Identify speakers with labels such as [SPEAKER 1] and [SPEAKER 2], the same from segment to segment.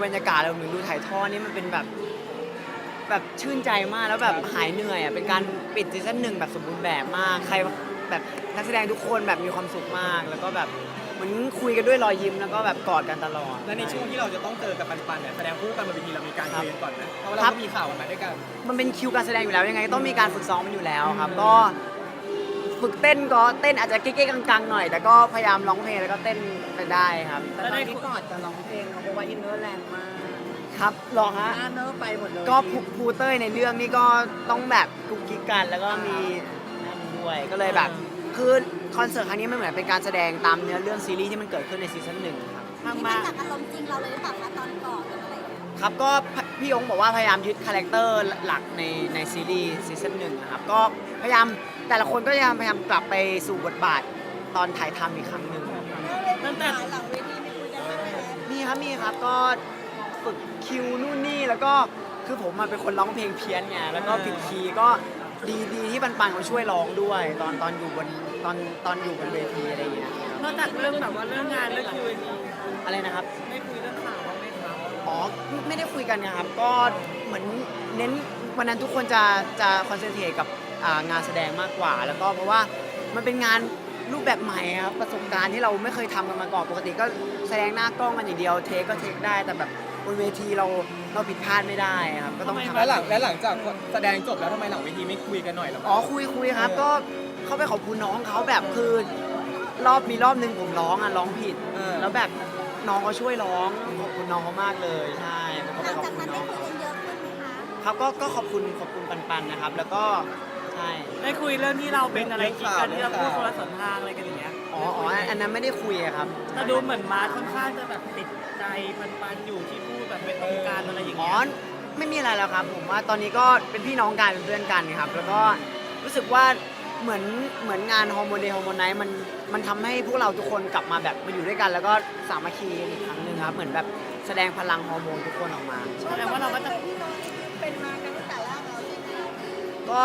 [SPEAKER 1] บรรยากาศรวมถึงดูถ่ายทอดนี่มันเป็นแบบชื่นใจมากแล้วแบบหายเหนื่อยอ่ะเป็นการปิดซีซั่น1แบบสมบูรณ์แบบมากใครแบบนักแสดงทุกคนแบบมีความสุขมาก แล้วก็แบบเหมือนคุยกันด้วยรอยยิ้มแล้วก็แบบกอดกันตลอด
[SPEAKER 2] และในช่วงที่เราจะต้องเจอกับปันเนี่ยแสดงคู่กันบนเวทีเรามีการคุยกันก่อนไหมเพราะว่าเราก็มีข่าวกันมาด้วยกัน
[SPEAKER 1] มันเป็นคิวการแสดงอยู่แล้วยังไงต้องมีการฝึกซ้อมมันอยู่แล้วครับก็ฝึกเต้นก็เต้นอาจจะเก๊ๆกังๆหน่อยแต่ก็พยายามร้องเพลงแล้วก็เต้นไปได้ครับ
[SPEAKER 3] แต่ตอนนี้กอดจะร้องเพลงเขาบอกว่าอินเนอร์แรงมาก
[SPEAKER 1] ครับรอฮะ
[SPEAKER 3] อินเนอร์ไปหมดเลย
[SPEAKER 1] ก็ภูเต้ยในเรื่องนี่ก็ต้องแบบกุ๊กกิ๊กกันแล้วก็มีนั่นด้วยก็เลยแบบคือคอนเสิร์ตครั้งนี้มันเหมือนเป็นการแสดงตามเนื้อเรื่องซีรีส์ที่มันเกิดขึ้นในซีซั่น1ครับ
[SPEAKER 4] นี่มาจากอารมณ์จริงเราเลยหรือเปล่าคะตอนก่อนหรืออะไรอย่างเงี้ย
[SPEAKER 1] ครับก็พี่ยงบอกว่าพยายามยึดคาแรคเตอร์หลักในซีรีส์ซีซั่น1นะครับก็พยายามแต่ละคนก็พยายามกลับไปสู่บทบาทตอนถ่ายทำอีกครั้งหนึ่ง
[SPEAKER 4] ตั้งแต่หลังเวทีไม่คุยกันบ้างไหมคะ
[SPEAKER 1] มีครับก็ฝึกคิวนู่นนี่แล้วก็คือผมมาเป็นคนร้องเพลงเพี้ยนไงแล้วก็ผิดคีย์ก็ดีที่ปันเขาช่วยร้องด้วยตอนอยู่บนตอนอยู่บนเวทีอะไรอย่างเงี้ย
[SPEAKER 3] นอกจากเรื่องแบบว่าเรื่องงานเรื่องคิว
[SPEAKER 1] อะไรนะครับ
[SPEAKER 3] ไม่คุยเรื่องข่าวบ้างไหมครับ
[SPEAKER 1] อ๋อไม่ได้คุยกันนะครับก็เหมือนเน้นวันนั้นทุกคนจะคอนเซนเทรตกับงานแสดงมากกว่า แล้วก็เพราะว่ามันเป็นงานรูปแบบใหม่ครับประสบการณ์ที่เราไม่เคยทำกันมาก่อนปกติก็แสดงหน้ากล้องกันอย่างเดียวเทคก็เทคได้แต่แบบบนเวทีเราผิดพลาดไม่ได้ครับก็ต้องทำ
[SPEAKER 2] และหลังจากแสดงจบแล้วทำไมหลังเวทีไม่คุยกันหน่อยล่ะ
[SPEAKER 1] อ๋อคุยครับก็เขาไปขอบคุณน้องเขาแบบคือมีรอบนึงผมร้องผิดแล้วแบบน้องเขาช่วยร้องขอบคุณน้องเขามากเลยใช่ผมก็
[SPEAKER 4] ห
[SPEAKER 1] ไป
[SPEAKER 4] ลัง
[SPEAKER 1] ขอบ
[SPEAKER 4] จาก
[SPEAKER 1] คุ
[SPEAKER 4] นั้
[SPEAKER 1] ณ
[SPEAKER 4] น
[SPEAKER 1] น้
[SPEAKER 4] ได้
[SPEAKER 1] อง
[SPEAKER 4] คุยกันเยอะขึ้นไหมคะ
[SPEAKER 1] ครับก็ขอบคุณปันนะครับ แล้วก็ใช่
[SPEAKER 3] ได้คุยเรื่องที่เราเป็นอะไรกินกันที่เราพูดคนละสนทางอะไรกันอย่างเงี้ย
[SPEAKER 1] อ๋ออันนั้นไม่ได้คุยอะครับ
[SPEAKER 3] แต่ดูเหมือนมาค่อนข้างจะแบบติดใจปันอยู่ที่พูดแบบเป็นตรงการอะไรอย่าง
[SPEAKER 1] อ๋อ
[SPEAKER 3] เงี้ย
[SPEAKER 1] ไม่มีอะไรแล้วครับผมว่าตอนนี้ก็เป็นพี่น้องกันเป็นเพื่อนกันครับแล้วก็รู้สึกว่าเหมือนงานฮอร์โมนเดย์ฮอร์โมนไนท์มันทำให้พวกเราทุกคนกลับมาแบบมาอยู่ด้วยกัน แล้วก็สามัคคีกันอีกครั้งหนึ่งครับเหมือนแบบแสดงพลังฮอร์โมนทุกคนออกมา
[SPEAKER 3] แสดงว่าเราก็จะ
[SPEAKER 4] พี่น้องเป็นมากันตั้งแต่แรกเราใช่ไหม
[SPEAKER 1] ก็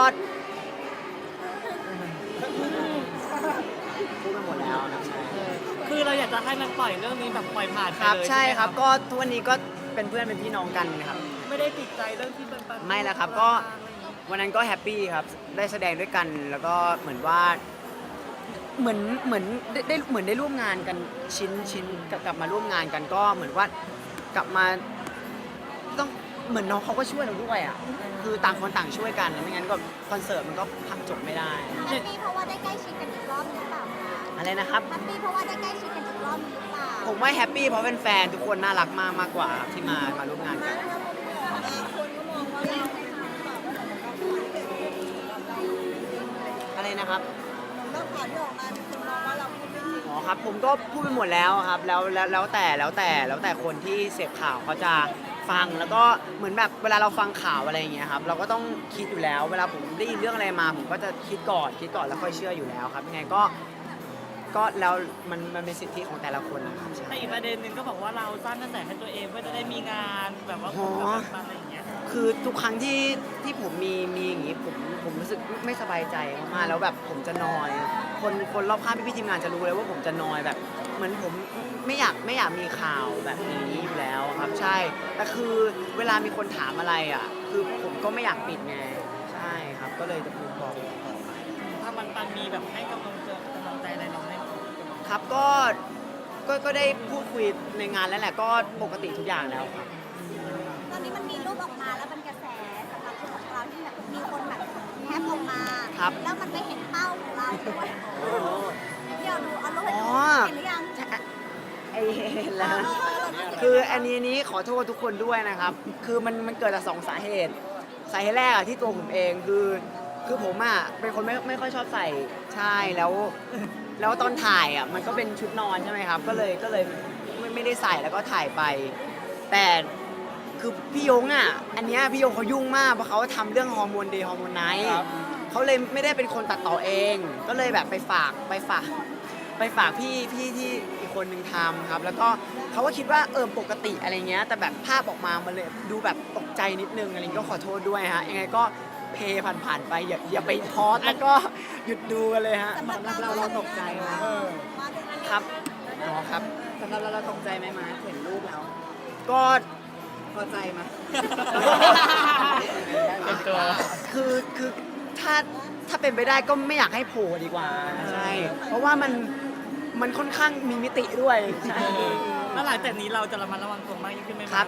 [SPEAKER 1] พูดไปหมดแล้วนะใช่
[SPEAKER 3] คือเราอยากจะให้มันปล่อยเรื่องนี้แบบปล่อยผ่านไป
[SPEAKER 1] ครับ
[SPEAKER 3] เลย
[SPEAKER 1] ใช่
[SPEAKER 3] ไหม
[SPEAKER 1] ครับก็ทุกวันนี้ก็เป็นเพื่อนเป็นพี่น้องกันครับ
[SPEAKER 3] ไม่ได้ติดใจเรื่องที่ปัน
[SPEAKER 1] ไม่แล้วครับก็วันนั้นก็แฮปปี้ครับได้แสดงด้วยกันแล้วก็เหมือนว่าเหมือนได้ร่วมงานกันชิ้นกลับมาร่วมงานกันก็เหมือนว่ากลับมาต้องเหมือนน้องเขาก็ช่วยเราด้วยอ่ะคือต่างคนต่างช่วยกันไม่งั้นก็คอนเสิร์ตมันก็พักจบไม่ได้
[SPEAKER 4] แฮปปี้เพราะว่าได้ใกล้ชิดกันอีกรอบหรือเปล่าคะ
[SPEAKER 1] อะไรนะครับ
[SPEAKER 4] แฮปปี้เพราะว่าได้ใกล้ชิดกันอีกรอบหรือเปล่า
[SPEAKER 1] ผมว่าแฮปปี้เพราะเป็นแฟนทุกคนน่ารักมากกว่าครับที่มาร่วมงานกัน
[SPEAKER 4] คนก็มองว่าเรา
[SPEAKER 1] อะไรนะครับ
[SPEAKER 4] แล้วข่าวที่ออกมามีคนมองว่าเราพูดไม่จริง
[SPEAKER 1] อ๋อครับผมก็พูดไปหมดแล้วครับแล้วแต่คนที่เสพข่าวเขาจะฟังแล้วก็เหมือนแบบเวลาเราฟังข่าวอะไรอย่างเงี้ยครับเราก็ต้องคิดอยู่แล้ว เวลาผมได้ยินเรื่องอะไรมา ผมก็จะคิดก่อนแล้วค่อยเชื่ออยู่แล้วครับยังไงก็แล้วมันเป็นสิทธิของแต่ละคนนะครับใช่
[SPEAKER 3] แต่อีกประเด็นหนึ่งก็บอกว่าเราสร้างกระแสให้ตัวเองเพื่อจะได้มีงานแบบว่าคนกับปันอะไรอย่างเงี้ย
[SPEAKER 1] คือทุกครั้งที่ผมมีอย่างงี้ผมรู้สึกไม่สบายใจมากๆแล้วแบบผมจะนอยคนรอบข้างพี่ๆทีมงานจะรู้เลยว่าผมจะนอยแบบเหมือนผมไม่อยากมีข่าวแบบนี้อยู่แล้วครับใช่แต่คือเวลามีคนถามอะไรอ่ะคือผมก็ไม่อยากปิดไงใช่ครับก็เลยจะพูดบอก
[SPEAKER 3] ถ้าปันมีแบบให้กำลังใจอะไรเราไหม
[SPEAKER 1] ครับก็ได้พูดคุยในงานแล้วแหละก็ปกติทุกอย่างแล้วครับ
[SPEAKER 4] ตอนนี้มันมีรูปออกมาแล้วเป็นกระแสสำหรับรูปของเราที่แบบมีคนแบบแคปออกมา แล้วมันไม่เห็นเป้าของเราด้วยเดี๋ยวดูเอารูปให้ดูเห็นหรือยัง
[SPEAKER 1] ไอเห็นแล้ว คืออันนี้ขอโทษทุกคนด้วยนะครับ คือมันเกิดจาก2 สาเหตุ สาเหตุแรกอะที่ตัวผมเองคือผมอะเป็นคนไม่ค่อยชอบใส่ใช่แล้วตอนถ่ายอะมันก็เป็นชุดนอนใช่ไหมครับ ก็เลยไม่ได้ใส่แล้วก็ถ่ายไป แต่คือพี่ยงอะอันเนี้ยพี่ยงเขายุ่งมากเพราะเขาทำเรื่องฮอร์โมนเดย์ฮอร์โมนไนท์เขาเลยไม่ได้เป็นคนตัดต่อเอง ก็เลยแบบไปฝากพี่ที่อีกคนหนึ่งทำครับแล้วก็เขาก็คิดว่าปกติอะไรเงี้ยแต่แบบภาพออกมามันเลยดูแบบตกใจนิดนึงอะไรก็ขอโทษด้วยฮะยังไงก็เพย์ผ่านๆไปอย่าไปพอสแล้วก็หยุดดูกันเลยฮะ
[SPEAKER 4] สำหรับเราตกใจไหม
[SPEAKER 1] ครับอ๋อครับ
[SPEAKER 3] สำหรับเราตกใจไหมมาเห็นรูปแล้ว
[SPEAKER 1] ก็
[SPEAKER 3] พอใจไหม
[SPEAKER 1] คือถ้าเป็นไปได้ก็ไม่อยากให้โผล่ดีกว่าใช่เพราะว่ามันค่อนข้างมีมิติด้วยใช่
[SPEAKER 3] แล้วหลังจากนี้เราจะระมัดระวังตัวมากยิ่งขึ้นไหม
[SPEAKER 1] ครับ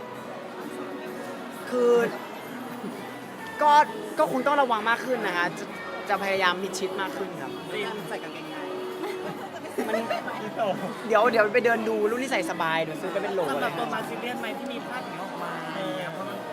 [SPEAKER 1] คือก็คงต้องระวังมากขึ้นนะฮะจะพยายามมิดชิดมากขึ้นครับ
[SPEAKER 3] ใส่กางเกงใน
[SPEAKER 1] มันเดี๋ยวไปเดินดูรุ่นที่ใส่สบายเดี๋ยวซื้อไปเป็นโหล
[SPEAKER 3] สำห
[SPEAKER 1] เล
[SPEAKER 3] รับ
[SPEAKER 1] ย
[SPEAKER 3] ตัวมาซีเรียสไหมที่มีภาพอย่างนี้ออกมาอะไรอย่างเงี้ยเพราะมัน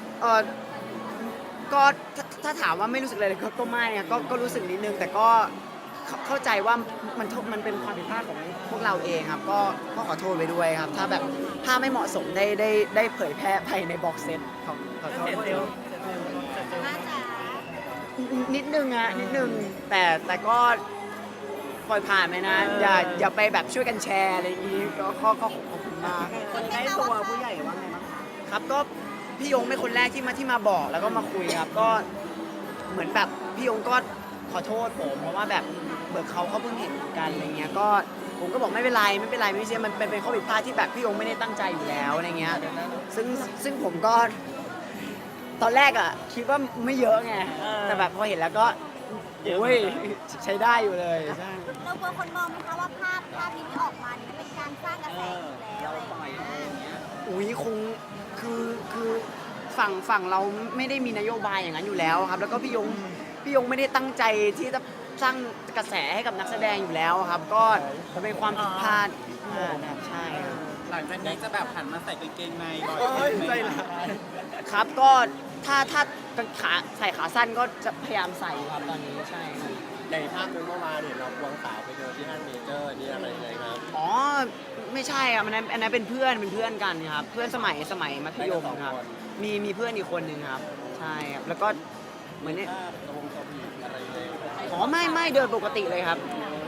[SPEAKER 1] ก็ถ้าถามว่าไม่รู้สึกอะไรเลยก็ไม่อะก็รู้สึกนิดนึงแต่ก็เข้าใจว่ามันเป็นความผิดพลาดของพวกเราเองครับก็ขอโทษไปด้วยครับ ถ้าแบบถ้าไม่เหมาะสมได้เผยแพร่ไปในบ็อกเซตขอโทษ
[SPEAKER 3] เสร็จ
[SPEAKER 1] ด้วย
[SPEAKER 3] เร็ว
[SPEAKER 4] น่าจะ
[SPEAKER 1] นิดนึงอะนิดนึงแต่ก็ปล่อยผ่านไปนะอย่าไปแบบช่วยกันแชร์อะไรอย่างนี้ก็ขอบคุณมาก
[SPEAKER 3] คนใกล้ตัวผู้ใหญ่ว่าไงบ้างคะ
[SPEAKER 1] ครับก็พี่ยงเป็นคนแรกที่มาบอกแล้วก็มาคุยครับก็เหมือนแบบพี่ยงก็ขอโทษผมเพราะว่าแบบเบิกเขาเพิ่งเห็นกันอะไรเงี้ยก็ผมก็บอกไม่เป็นไรไม่ใช่มันเป็นข้อผิดพลาดที่แบบพี่ยงไม่ได้ตั้งใจอยู่แล้วอะไรเงี้ยซึ่งผมก็ตอนแรกอ่ะคิดว่าไม่เยอะไงแต่แบบพอเห็นแล้วก็โอ้ยใช้ได้อยู่เลยใช่
[SPEAKER 4] เรากลัวคนมองไหมคะว่าภาพนี้ที่ออกมาเนี่ยมันเป็นการสร้างกระแสอยู่แล้วอะไรอย่างเงี้ย
[SPEAKER 1] อุ้ยคงคือฝั่งเราไม่ได้มีนโยบายอย่างนั้นอยู่แล้วครับ แล้วก็พี่ยงไม่ได้ตั้งใจที่จะสร้างกระแสให้กับนักแสดงอยู่แล้วครับ ก็มันเป็นความผิดพลาดนะครับใช่ครับ
[SPEAKER 3] หลังจากนี้จะแบบหันมาใส่กางเกงในบ่อย
[SPEAKER 2] เอ้ยใจร้าย
[SPEAKER 1] ครับก็ถ้าขาใส่ขาสั้นก็จะพยายามใส่ครับตอนนี้ใช่ครับ
[SPEAKER 5] ในภาพนึงเมื่อวานเห็นเราควงสาวไปเดินที่ห้างเมเจอร์นี่อะไรยังไงครับ
[SPEAKER 1] อ๋อไม่ใช่ครับอันนั้นเป็นเพื่อนกันครับเพื่อนสมัยมัธยมครับมีเพื่อนอีกคนหนึ่งครับใช่ครับแล้วก็เหมือนเนี่ย
[SPEAKER 5] ภาพตรงสวีทอะไรยังไงครับ
[SPEAKER 1] อ๋อไม่เดินปกติเลยครับ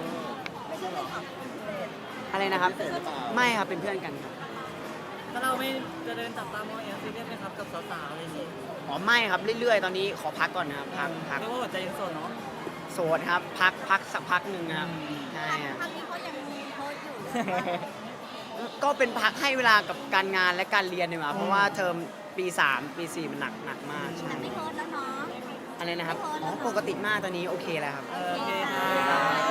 [SPEAKER 1] อะไรนะครับ ไม่ครับเป็นเพื่อนกันครับ
[SPEAKER 3] ถ้าเราไม่จะเดินจับตามองอย่างซีเรียสไหมครับกับสาวๆอะไรอย่างงี้
[SPEAKER 1] อ๋อไม่ครับเรื่อยๆ ตอนนี้ขอพักก่อนนะครับพัก
[SPEAKER 3] เรียกว่าหัวใจยังโสดเนาะ
[SPEAKER 1] โสดครับพักสักพักหนึ่งนะครับใช่ครับ
[SPEAKER 4] ครั้งนี้เขายังมีโพสต์อยู่
[SPEAKER 1] ก็เป็นพักให้เวลากับการงานและการเรียนดีกว่าเพราะว่าเทอมปี3ปี4มันหนักมากใช่
[SPEAKER 4] แต่ไม่โพสต์แล้วเนาะ
[SPEAKER 1] อะไรนะครับอ๋อปกติมากตอนนี้โอเคแล้วครับ
[SPEAKER 3] โอเคค่ะ
[SPEAKER 4] ค่ะ